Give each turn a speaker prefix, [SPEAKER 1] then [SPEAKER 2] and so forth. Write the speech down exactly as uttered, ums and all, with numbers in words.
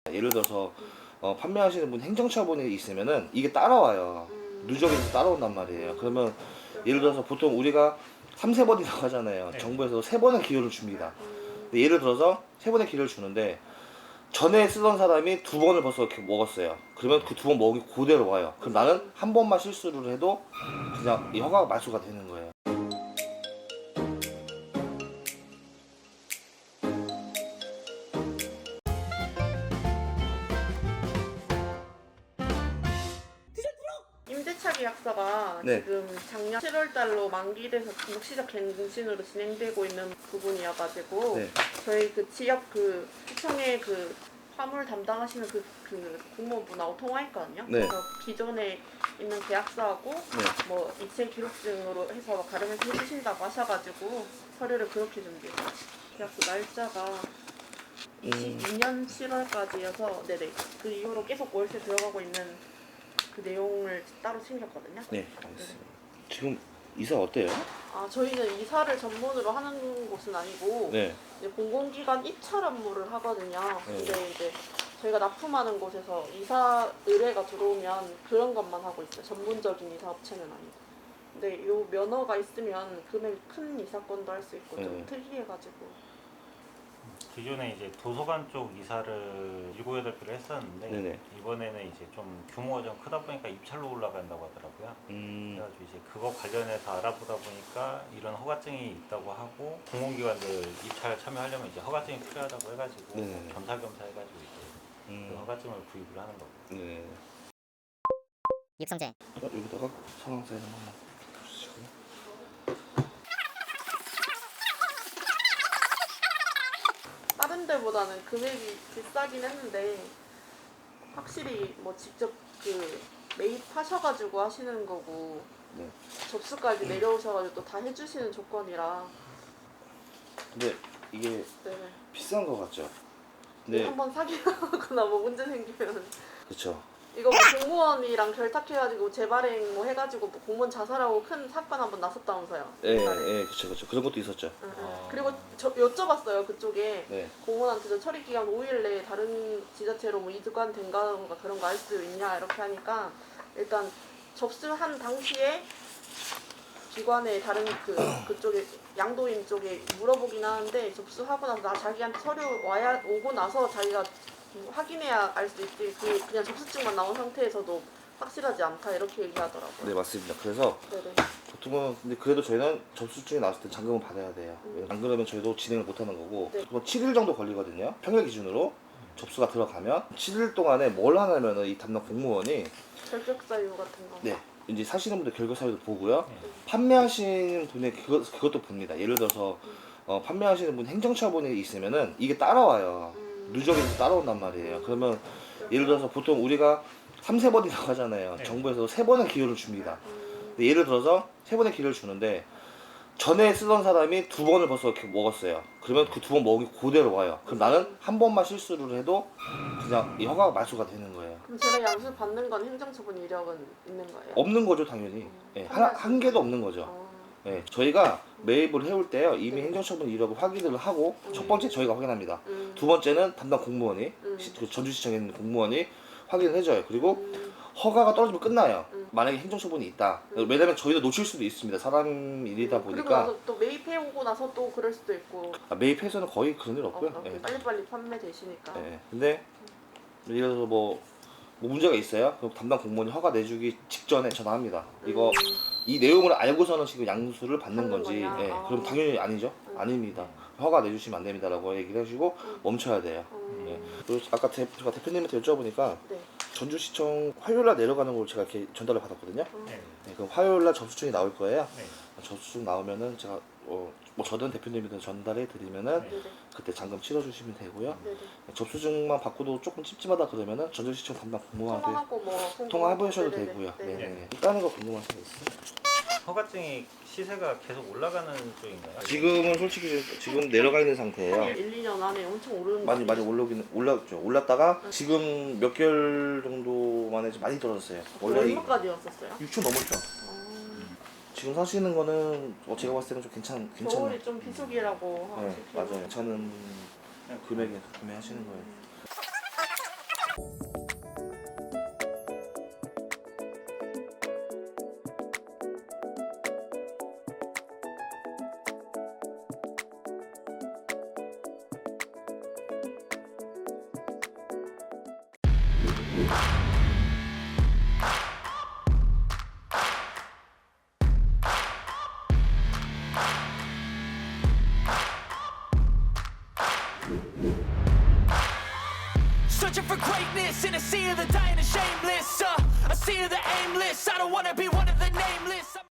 [SPEAKER 1] 예를 들어서 어, 판매하시는 분 행정처분이 있으면은 이게 따라와요. 누적해서 따라온단 말이에요. 그러면 예를 들어서 보통 우리가 삼세 번이라고 하잖아요.
[SPEAKER 2] 네.
[SPEAKER 1] 정부에서 세 번의 기회를 줍니다. 근데 예를 들어서 세 번의 기회를 주는데 전에 쓰던 사람이 두 번을 벌써 이렇게 먹었어요. 그러면 그 두 번 먹이 그대로 와요. 그럼 나는 한 번만 실수를 해도 그냥 이 허가가 말소가 되는 거예요.
[SPEAKER 3] 임대차 계약서가
[SPEAKER 1] 네.
[SPEAKER 3] 지금 작년 칠월 달로 만기돼서 등록시작 갱신으로 진행되고 있는 부분이어가지고
[SPEAKER 1] 네.
[SPEAKER 3] 저희 그 지역 그 시청의 그 화물 담당하시는 그, 그 공무원분하고 통화했거든요.
[SPEAKER 1] 네.
[SPEAKER 3] 그래서 기존에 있는 계약서하고
[SPEAKER 1] 네.
[SPEAKER 3] 뭐 이체 기록증으로 해서 가름해서 해주신다고 하셔가지고 서류를 그렇게 준비했어요. 계약서 날짜가 이십이 년 칠월까지여서 네네 그 이후로 계속 월세 들어가고 있는 그 내용을 따로 챙겼거든요.
[SPEAKER 1] 네, 알겠습니다. 지금 이사 어때요?
[SPEAKER 3] 아 저희는 이사를 전문으로 하는 곳은 아니고
[SPEAKER 1] 네.
[SPEAKER 3] 이제 공공기관 입찰 업무를 하거든요.
[SPEAKER 1] 네.
[SPEAKER 3] 근데 이제 저희가 납품하는 곳에서 이사 의뢰가 들어오면 그런 것만 하고 있어요. 전문적인 이사 업체는 아니고. 근데 요 면허가 있으면 금액 큰 이사건도 할 수 있고 좀
[SPEAKER 1] 네.
[SPEAKER 3] 특이해가지고.
[SPEAKER 2] 기존에 이제 도서관 쪽 이사를 일곱 여덟 개를 했었는데
[SPEAKER 1] 네네.
[SPEAKER 2] 이번에는 이제 좀 규모가 좀 크다 보니까 입찰로 올라간다고 하더라고요.
[SPEAKER 1] 음,
[SPEAKER 2] 그래가지고 이제 그거 관련해서 알아보다 보니까 이런 허가증이 있다고 하고 공공기관들 입찰 참여하려면 이제 허가증이 필요하다고 해가지고
[SPEAKER 1] 네네.
[SPEAKER 2] 겸사겸사 해가지고 이제 그
[SPEAKER 1] 음,
[SPEAKER 2] 허가증을 구입을 하는 거고.
[SPEAKER 1] 네.
[SPEAKER 4] 육성재
[SPEAKER 1] 어, 여기다가 상황 사인 한번 주시고요.
[SPEAKER 3] 다른 데보다는 금액이 비싸긴 했는데 확실히 뭐 직접 그 매입하셔가지고 하시는 거고
[SPEAKER 1] 네.
[SPEAKER 3] 접수까지 내려오셔가지고 또 다 해주시는 조건이라
[SPEAKER 1] 근데 이게
[SPEAKER 3] 네.
[SPEAKER 1] 비싼 거 같죠?
[SPEAKER 3] 네.
[SPEAKER 1] 네.
[SPEAKER 3] 한번 사기하거나 뭐 문제 생기면
[SPEAKER 1] 그쵸.
[SPEAKER 3] 이거 뭐 공무원이랑 결탁해가지고 재발행 뭐 해가지고 뭐 공무원 자살하고 큰 사건 한번 났었다면서요.
[SPEAKER 1] 예,
[SPEAKER 3] 재발행.
[SPEAKER 1] 예, 그쵸, 그쵸. 그런 것도 있었죠.
[SPEAKER 3] 응, 응.
[SPEAKER 2] 아.
[SPEAKER 3] 그리고 저 여쭤봤어요 그쪽에
[SPEAKER 1] 네.
[SPEAKER 3] 공무원한테도 처리 기간 오 일 내에 다른 지자체로 뭐 이주관 된가던가 그런 거 알 수 있냐 이렇게 하니까 일단 접수한 당시에 기관에 다른 그 그쪽에 양도인 쪽에 물어보긴 하는데 접수하고 나서 나 자기한테 서류 와야 오고 나서 자기가 확인해야 알 수 있지 그 그냥 접수증만 나온 상태에서도 확실하지 않다 이렇게 얘기하더라고요.
[SPEAKER 1] 네, 맞습니다. 그래서
[SPEAKER 3] 네네.
[SPEAKER 1] 보통은 근데 그래도 저희는 접수증이 나왔을 때 잔금을 받아야 돼요.
[SPEAKER 3] 음.
[SPEAKER 1] 안 그러면 저희도 진행을 못 하는 거고
[SPEAKER 3] 네.
[SPEAKER 1] 보통 칠 일 정도 걸리거든요. 평일 기준으로 접수가 들어가면 칠 일 동안에 뭘 하냐면은 이 담당 공무원이
[SPEAKER 3] 결격 사유 같은 거.
[SPEAKER 1] 네. 이제 사시는 분들 결격 사유도 보고요.
[SPEAKER 2] 네.
[SPEAKER 1] 판매하시는 분의 그것, 그것도 봅니다. 예를 들어서 어, 판매하시는 분 행정처분이 있으면은 이게 따라와요.
[SPEAKER 3] 음.
[SPEAKER 1] 누적해서 따라온단 말이에요. 그러면 예를 들어서 보통 우리가 삼세 번이라고 하잖아요.
[SPEAKER 2] 네.
[SPEAKER 1] 정부에서 세 번의 기회를 줍니다.
[SPEAKER 3] 음.
[SPEAKER 1] 근데 예를 들어서 세 번의 기회를 주는데 전에 쓰던 사람이 두 번을 벌써 이렇게 먹었어요. 그러면 그 두 번 먹이 그대로 와요. 그럼 나는 한 번만 실수를 해도 그냥 이 허가가 말소가 되는 거예요.
[SPEAKER 3] 그럼 제가 양수 받는 건 행정처분 이력은 있는 거예요?
[SPEAKER 1] 없는 거죠, 당연히. 예, 한, 한 개도 없는 거죠.
[SPEAKER 3] 어.
[SPEAKER 1] 예, 저희가 매입을 해올 때요 이미 행정처분 이력을 확인을 하고
[SPEAKER 3] 음.
[SPEAKER 1] 첫 번째 저희가 확인합니다.
[SPEAKER 3] 음.
[SPEAKER 1] 두 번째는 담당 공무원이
[SPEAKER 3] 음.
[SPEAKER 1] 시- 그 전주시청에 있는 공무원이 확인을 해줘요. 그리고
[SPEAKER 3] 음.
[SPEAKER 1] 허가가 떨어지면 끝나요.
[SPEAKER 3] 음.
[SPEAKER 1] 만약에 행정처분이 있다.
[SPEAKER 3] 음.
[SPEAKER 1] 왜냐면 저희도 놓칠 수도 있습니다. 사람 일이다
[SPEAKER 3] 그리고
[SPEAKER 1] 보니까
[SPEAKER 3] 나서 또 매입해 오고 나서 또 그럴 수도 있고
[SPEAKER 1] 아, 매입해서는 거의 그런 일
[SPEAKER 3] 어,
[SPEAKER 1] 없고요.
[SPEAKER 3] 어,
[SPEAKER 1] 예.
[SPEAKER 3] 빨리빨리 판매되시니까.
[SPEAKER 1] 예. 근데 예를 들어서 뭐, 뭐 문제가 있어요. 그럼 담당 공무원이 허가 내주기 직전에 전화합니다. 이거
[SPEAKER 3] 음.
[SPEAKER 1] 이 내용을 알고서는 지금 양수를 받는
[SPEAKER 3] 받는
[SPEAKER 1] 건지,
[SPEAKER 3] 거냐?
[SPEAKER 1] 예,
[SPEAKER 3] 아.
[SPEAKER 1] 그럼 당연히 아니죠.
[SPEAKER 3] 음.
[SPEAKER 1] 아닙니다. 허가 내주시면 안 됩니다라고 얘기를 해주고
[SPEAKER 3] 음.
[SPEAKER 1] 멈춰야 돼요.
[SPEAKER 3] 음.
[SPEAKER 1] 예. 그리고 아까 대, 제가 대표님한테 여쭤보니까
[SPEAKER 3] 네.
[SPEAKER 1] 전주시청 화요일날 내려가는 걸 제가 이렇게 전달을 받았거든요.
[SPEAKER 3] 음.
[SPEAKER 2] 네.
[SPEAKER 1] 네, 그럼 화요일날 접수증이 나올 거예요.
[SPEAKER 2] 네.
[SPEAKER 1] 접수증 나오면은 제가 어, 뭐 저든 대표님이든 전달해 드리면은
[SPEAKER 2] 네.
[SPEAKER 3] 네네.
[SPEAKER 1] 그때 잔금 치러주시면 되고요.
[SPEAKER 3] 네네.
[SPEAKER 1] 접수증만 받고도 조금 찝찝하다 그러면은 전주시청 담당 공무원한테
[SPEAKER 3] 통화하고 뭐 홍보-
[SPEAKER 1] 통화해보셔도
[SPEAKER 3] 네네네.
[SPEAKER 1] 되고요.
[SPEAKER 3] 네네.
[SPEAKER 1] 네네. 다른 거 궁금한 거 있어요?
[SPEAKER 2] 허가증이 시세가 계속 올라가는 쪽인가요?
[SPEAKER 1] 지금은 솔직히 지금 내려가 있는 상태예요.
[SPEAKER 3] 한 일, 이 년 안에 엄청 오르는
[SPEAKER 1] 많이
[SPEAKER 3] 거
[SPEAKER 1] 많이 올라오긴 올랐죠. 올랐다가 지금 몇 개월 정도 만에 좀 많이 떨어졌어요. 원래
[SPEAKER 3] 얼마까지였었어요?
[SPEAKER 1] 육천 넘었죠.
[SPEAKER 3] 어,
[SPEAKER 1] 지금 사시는 거는 어, 제가 봤을 때는 좀 괜찮 괜찮아요.
[SPEAKER 3] 겨울이 좀 비수기라고
[SPEAKER 1] 네,
[SPEAKER 3] 하시고.
[SPEAKER 1] 맞아요. 저는 금액에 구매하시는 거예요.
[SPEAKER 5] Searching for greatness in a sea of the dying and shameless. Uh, a sea of the aimless. I don't wanna be one of the nameless. I'm